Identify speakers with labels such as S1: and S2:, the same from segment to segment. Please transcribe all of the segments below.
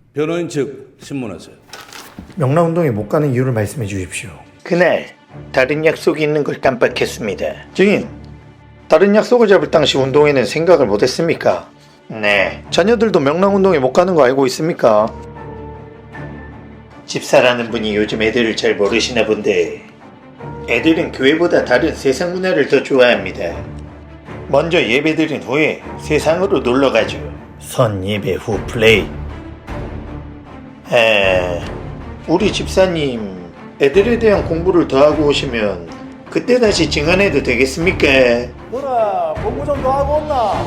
S1: 변호인 측 신문하세요.
S2: 명랑운동에 못 가는 이유를 말씀해 주십시오.
S3: 그날 다른 약속이 있는 걸 깜빡했습니다. 증인, 다른 약속을 잡을 당시 운동회는 생각을 못했습니까? 네. 자녀들도 명랑운동에 못 가는 거 알고 있습니까? 집사라는 분이 요즘 애들을 잘 모르시나 본데 애들은 교회보다 다른 세상 문화를 더 좋아합니다. 먼저 예배드린 후에 세상으로 놀러가죠. 선 예배 후 플레이. 우리 집사님 애들에 대한 공부를 더 하고 오시면 그때 다시 증언해도 되겠습니까?
S2: 뭐라 공부 좀 더 하고 온나?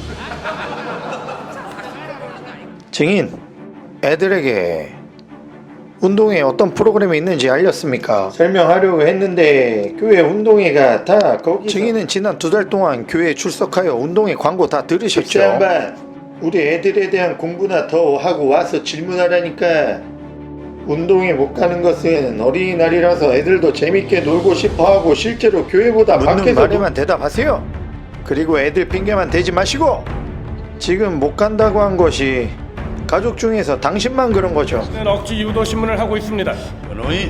S3: 증인, 애들에게 운동회 어떤 프로그램이 있는지 알렸습니까? 설명하려고 했는데 교회 운동회가 다 거기. 증인은 지난 2달 동안 교회에 출석하여 운동회 광고 다 들으셨죠? 양반, 우리 애들에 대한 공부나 더 하고 와서 질문하라니까. 운동회 못 가는 것은 어린이날이라서 애들도 재밌게 놀고 싶어하고 실제로 교회보다 밖에서 말에만 대답하세요. 그리고 애들 핑계만 대지 마시고 지금 못 간다고 한 것이 가족 중에서 당신만 그런 거죠.
S4: 억지 유도 신문을 하고 있습니다.
S1: 변호인.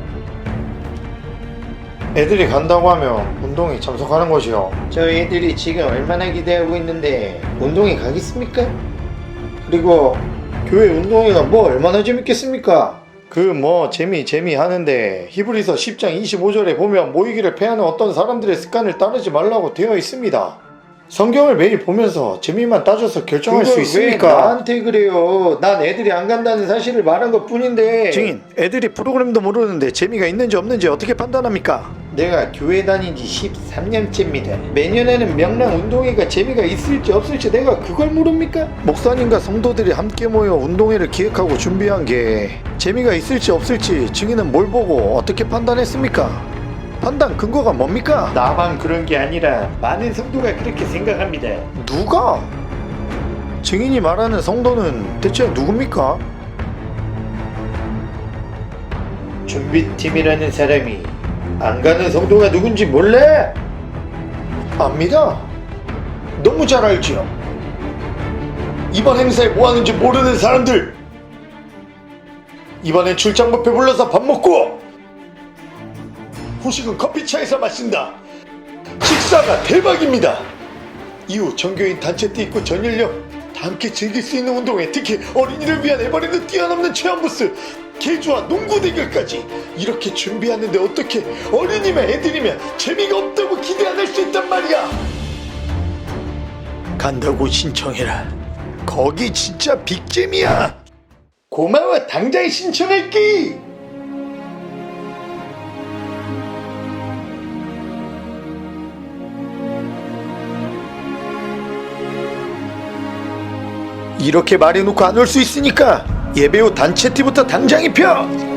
S3: 애들이 간다고 하면 운동회 참석하는 것이요. 저 애들이 지금 얼마나 기대하고 있는데 운동회 가겠습니까? 그리고 교회 운동회가 뭐 얼마나 재밌겠습니까? 그 뭐 재미 하는데 히브리서 10장 25절에 보면 모이기를 패하는 어떤 사람들의 습관을 따르지 말라고 되어 있습니다. 성경을 매일 보면서 재미만 따져서 결정할 수 있습니까? 왜 나한테 그래요? 난 애들이 안 간다는 사실을 말한 것 뿐인데. 증인, 애들이 프로그램도 모르는데 재미가 있는지 없는지 어떻게 판단합니까? 내가 교회 다닌 지 13년째입니다. 매년 하는 명랑 운동회가 재미가 있을지 없을지 내가 그걸 모릅니까? 목사님과 성도들이 함께 모여 운동회를 기획하고 준비한 게 재미가 있을지 없을지 증인은 뭘 보고 어떻게 판단했습니까? 판단 근거가 뭡니까? 나만 그런 게 아니라 많은 성도가 그렇게 생각합니다. 누가? 증인이 말하는 성도는 대체 누굽니까? 준비팀이라는 사람이 안 가는 성도가 누군지 몰래? 압니다. 너무 잘 알죠. 이번 행사에 뭐 하는지 모르는 사람들, 이번엔 출장 뷔페 불러서 밥 먹고 후식은 커피차에서 마신다. 식사가 대박입니다. 이후 전교인 단체티 입고 전 연령 다 함께 즐길 수 있는 운동회, 특히 어린이를 위한 에버랜드 뛰어넘는 체험 부스, 개주와 농구 대결까지 이렇게 준비하는데 어떻게 어린이면 애들이면 재미가 없다고 기대 안 할 수 있단 말이야. 간다고 신청해라. 거기 진짜 빅잼이야. 고마워. 당장 신청할게. 이렇게 말해놓고 안 올 수 있으니까 예배 후 단체티부터 당장 입혀.